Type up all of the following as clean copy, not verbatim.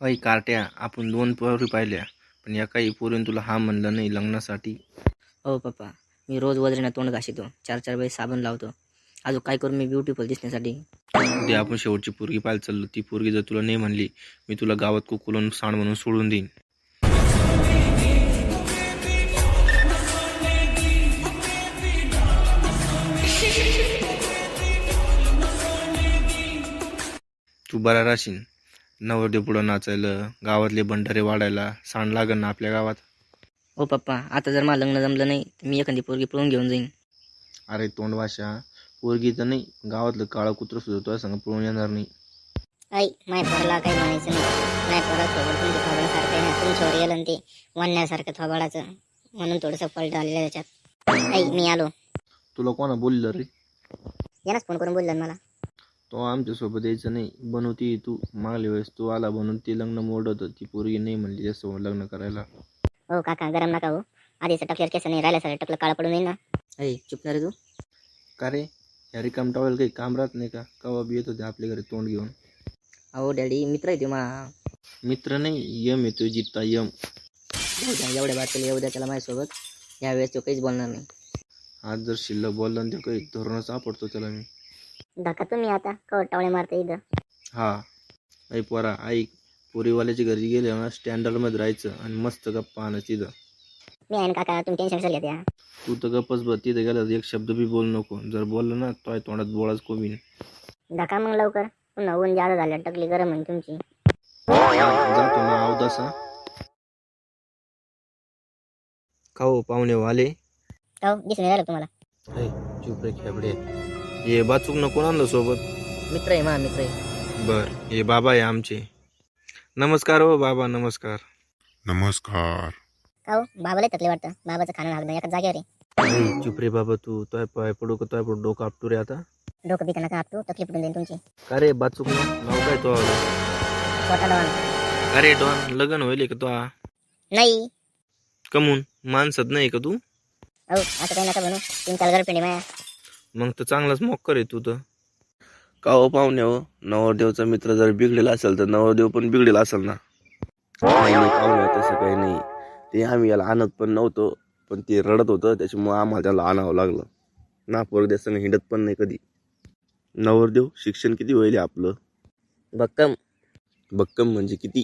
अय कार्ट्या, आपण 2 पोरी पाहिल्या, पण एकाही पोरीने तुला हा म्हणलं नाही लग्नासाठी. हो पप्पा, मी रोज वजरीनं तोंड घासितो, 4-4 वेळेस साबण लावतो. अजून काय करू मी ब्युटिफुल दिसण्यासाठी? उद्या आपण शेवटची पोरगी पाहायला चाललो. ती पोरगी जर तुला नाही म्हणली, मी तुला गावात कुकुलन सांड म्हणून सोडून देईन. तू बरा राहशील. नवरदेव पुढं नाचायला, गावातले भंडारे वाढायला सांड लागन ना आपल्या गावात. हो पप्पा, आता जर मला लग्न जमलं नाही तर मी एखादी पोरगी पळून घेऊन जाईन. अरे तोंडवाशा, पोरगी तर नाही, गावातलं काळं कुत्रं सुद्धा तुझ्या संग पळून येणार नाही. आई माझ्या पोराला काही म्हणायचं नाही. माझ्या पोरासोबत तुमच्या थोबाडासारखं आहे ना, तुमच्यावर गेलं ते वनण्यासारखं थोबाडाचं, म्हणून थोडंसं पलट आलेलं त्याच्यात. आई मी आलो. तुला कोणा बोललं रे? यानंच फोन करून बोललं मला. तो आमच्यासोबत यायचं नाही. बनवती तू. मागल्या वेळेस तू आला बनवून ते लग्न मोडत, ती पोरगी नाही म्हणली त्यासोबत लग्न करायला. हो काका, गरम नका हो. आधीचं टकल्यावर केस नाही राहिलं, सर टकलं काळं पडून येईल ना. अय चुप ना रे तू. का रे, ह्या रिकाम टावेल काही काम राहत नाही का? कवा बी येत होते आपल्या घरी तोंड घेऊन. अहो डॅडी, मित्र आहे तो मा. मित्र नाही, यम येतोय जित्ता यम. एवढ्या बात केली उद्या त्याला माझ्यासोबत, यावेळेस तो काहीच बोलणार नाही. आज जर शिल्लक बोलला ना, ते काही धोरणच सापडतो त्याला मी. धक्का तुम्ही आता कवट टावळे मारता इथं. हा, ऐ पोरा ऐक, पोरीवाल्याच्या घरी गेले ना स्टँडर्डमध्ये राहायचं आणि मस्त गप्पा आणायची तिथं. मी आहे ना काका, तुम्ही टेन्शन कशाला घ्या. तू तर गप्पच बघ, तिथं गेला एक शब्द बी बोलू नको. जर बोललं ना तो तोंडात बोळाच कोबीन. धक्का मग लवकर, पुन्हा ऊन जादा झालं, टकली गरम आहे तुमची. जातो ना अवदासा. का हो पाहुणे वाले? हो दिसून राहिलं तुम्हाला. ऐ चुप रे खेबडे. ये बाचूक न कोण आणलं सोबत? मित्र आहे मा, मित्र आहे. बर, हे बाबा आहे आमचे. नमस्कार हो बाबा, नमस्कार. नमस्कार. का हो बाबाला तकले वाटतं, बाबाचं खाणं लागलं एका जागेवर आहे. ऐ चुप रे बाबा, तू तोय पाय पडू का? तोय पडू डोकं आपटू रे आता. डोकं बिकं नका आपटू, तकलीफ पडून जाईल तुमची. का रे बाचूक नाव काय तो? छोटा डॉन. अरे डॉन, लग्न होईल का तो? नाही. कमून माणसात नाही का तू? हो असं काही नका म्हणू, 3-4 गर्लफ्रेंड आहे माझ्या. मग तर चांगलाच मोक्कर आहे तू तर. का हो पाहुणे हो, नवरदेवचा मित्र जर बिघडेला असेल तर नवरदेव पण बिघडेला असेल ना. नाही नाही पाहुणे, तसं काही नाही. ते आम्ही याला आणत पण नव्हतो, पण ते रडत होतं त्याच्यामुळे आम्हाला त्याला आणावं लागलं ना. पोरद्या संग हिंडत पण नाही कधी. नवरदेव शिक्षण किती होईल आपलं? भक्कम. भक्कम म्हणजे किती?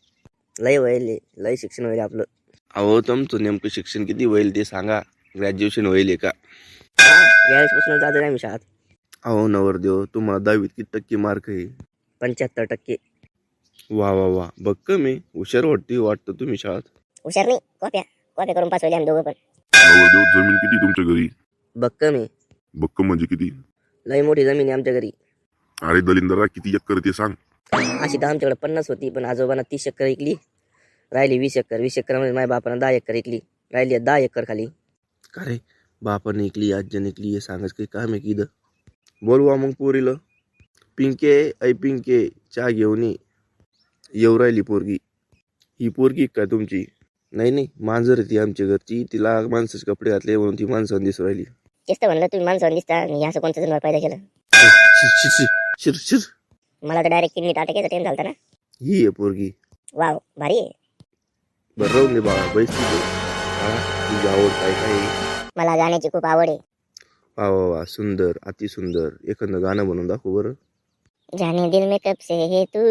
लय व्हायले, लय शिक्षण व्हायले आपलं. अहो तुमचं नेमकं शिक्षण किती होईल ते सांगा. ग्रॅज्युएशन होईल का? यावेळेसपासून जातो नाही मी शाळेत. अहो नवरदेव, तुम्हाला 10वीत किती टक्के मार्क आहे? 75%. वा वा वा, भक्कम आहे. हुशार वाटतं तुम्ही शाळेत. हुशार नाही, कॉप्या कॉप्या करून पास होईल आम्ही दोघं पण. नवरदेव, जमीन किती तुमच्या घरी? भक्कम आहे. भक्कम म्हणजे किती? लय मोठी जमीन आहे आमच्या घरी. अरे दलिंदरा, किती एकर ते सांग. अशी तर आमच्याकडे 50 होती, पण आजोबांना 30 एकर ऐकली, राहिली 20 एकर. 20 एकरमध्ये माझ्या बापानं 10 एकर ऐकली, राहिली 10 एकर खाली. का रे, बापाने ऐकली आज्याने ऐकली हे सांगायचं काही काम आहे की इथं? बोलवा मग पोरीला. पिंके, ऐ पिंके, चहा घेऊन ये. येऊ राहिली पोरगी. ही पोरगी काय तुमची? नाही नाही, मांजर आहे ती आमच्या घरची. तिला माणसाचे कपडे घातले म्हणून ती माणसाने दिसू राहिली. तेच तर म्हणलं, तुम्ही माणसावर दिसता आणि असं कोणतं जन्म पैदा केलं. शिर शिर शिर शिर. मला तर डायरेक्ट किडनी टाकायचा टाइम झालता ना. ही आहे पोरगी. वाव भारी आहे. बरं राहून दे बाळा, बैस तिथे. हा, तुझी आवड काय काय? मला गाण्याची खूप आवड आहे. वा वा वा, सुंदर, अति सुंदर. एखादं गाणं म्हणून दाखव बरं. जाने दिल में कब से है तू,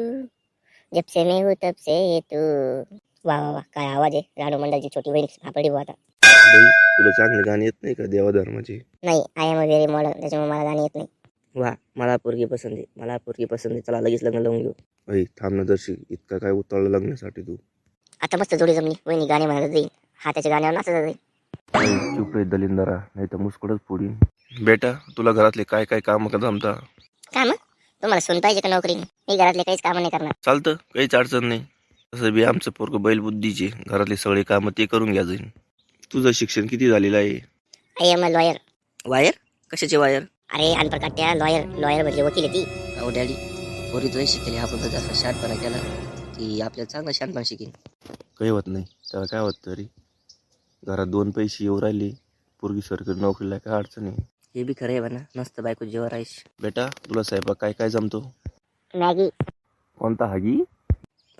जब से मैं हूँ तब से है तू. वा वा वा, काय आवाज आहे. राणू मंडलची छोटी बहीण सापडली बुवा आता. बाई, तुला चांगले गाणे येत नाही का देवाधर्माचे? नाही, I am a very modern, त्याच्यामुळे मला गाणी येत नाही. वा, मला पोरगी पसंत आहे, मला पोरगी पसंत आहे. चला लगेच लग्न लावून घेऊ. ऐ थांब ना दर्शी, इतका काय उतावळं लग्नासाठी तू? आता मस्त जोडी जमली, वहिनी गाणे म्हणत जाईल, हा त्याच्या गाण्यावर नाचत जाईल. चुप रे दलिंदरा, नाही तर मुस्कडच फोडीन. बेटा, तुला घरातले काय काय काम का जमता? का मग तुम्हाला सून पाहिजे का नोकरी? मी घरातले काहीच कामं नाही करणार. चालतं, काहीच अडचण नाही. तसं बी आमचं पोरगं बैलबुद्धीचे, घरातले सगळे कामं ते करून घ्या जाईल. तुझं शिक्षण किती झालेलं आहे? I am a lawyer. Wire? कशाची वायर? अरे अनप्रकाट्या लॉयर, लॉयर म्हणजे वकील आहे ती. अहो डॅडी, पोरी तुला शिकेल, आपण तर जास्त शहाणपणा केला की आपल्याला चांगला शहाणपणा शिकेल. काही होत नाही, त्याला काय होत तरी. घरात 2 पैसे येऊ राहिले, पोरगी सरकारी नोकरीला काय अडचण आहे. हे बी खरं आहे म्हणा, मस्त बायको जेव्हा राहीश. बेटा, तुला स्वयंपाक काय काय जमतो? मॅगी. कोणता हागी?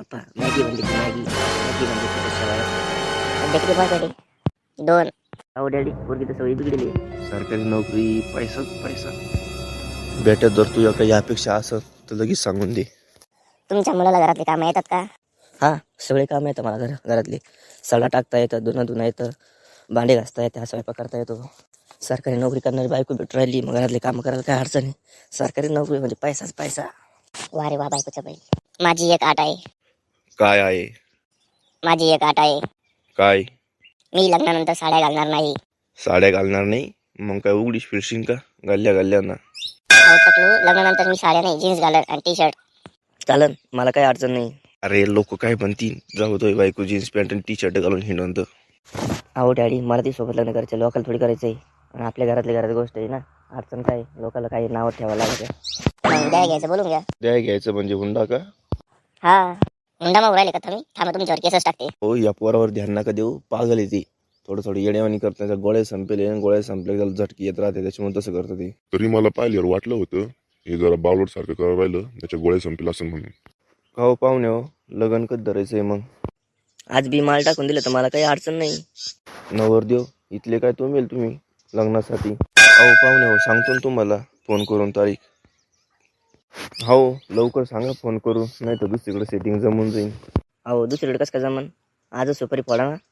पप्पा मॅगी बनली की मॅगी मॅगी बनली की शेवाळ्या. सध्या किती पैसे भेटले? 2. अहो डॅडी पोरगी तर सवयी बिघडली. सरकारी नोकरी पैसाच पैसा. बेटा जर तुझ्या काही अपेक्षा असं तर लगेच सांगून दे. तुमच्या मुलाला घरातले कामं येतात का? हा सगळे काम येतं मला घरातले. सडा टाकता येतं, धुणं धुणं येतं, भांडे घासता येतं, स्वयंपाक करता येतो. सरकारी नोकरी करणारी बायको भेटून राहिली, मग घरातले कामं करायला काय अडचण आहे. सरकारी नोकरी म्हणजे पैसाच पैसा. वा रे वा बायकोच्या बैल. माझी एक आट आहे. काय आहे? माझी एक आट आहे. काय? मी लग्नानंतर साड्या घालणार नाही. साड्या घालणार नाही? मग काय उघडीच फिरशील का गल्ल्या ना? अहो टकलू, लग्नानंतर मी साड्या नाही, जीन्स घालत आणि टी शर्ट. चालन, मला काही अडचण नाही. अरे लोक काय म्हणतील, जाऊ तो बायको जीन्स पॅन्ट आणि टी शर्ट घालून हिंडवंत. अहो डॅडी मला ती सोबत लग्न करायचं, लोकांना थोडी करायचं आहे. आणि आपल्या घरातली घरात गोष्ट आहे ना, अडचण काय, लोकांना काही नावं ठेवायला लागत आहे. मग द्या घ्यायचं बोलून घ्या. द्या घ्यायचं म्हणजे हुंडा का? हा हुंडा मागू राहिले का तुम्ही? थांबा तुमच्यावर केसच टाकते. हो, या पोरावर ध्यान नका देऊ, पागल आहे ती. थोडं येड्यावानी करताना गोळ्या संपेले आणि गोळ्या संपल्या त्याला झटकी येत राहते, त्याच्यामुळे तसं करतं ते. तरी मला पाहिल्यावर वाटलं होतं हे जरा बावलट सारखं करायला राहिलं, त्याच्या गोळ्या संपेल असं म्हणून. हो पाहुणे हो, लगन कधी धरायचंय मग? आज बी माल टाकून दिलं तर मला काही अडचण नाही. नवरदेव इथले काय तुम्ही लग्नासाठी? अहो पाहुणे हो, सांगतो ना तुम्हाला फोन करून तारीख. हो लवकर सांगा फोन करून, नाही तर दुसरीकडे सेटिंग जमून जाईल. अहो दुसरीकडे कसं काय जमन, आजच सुपारी फोडा ना.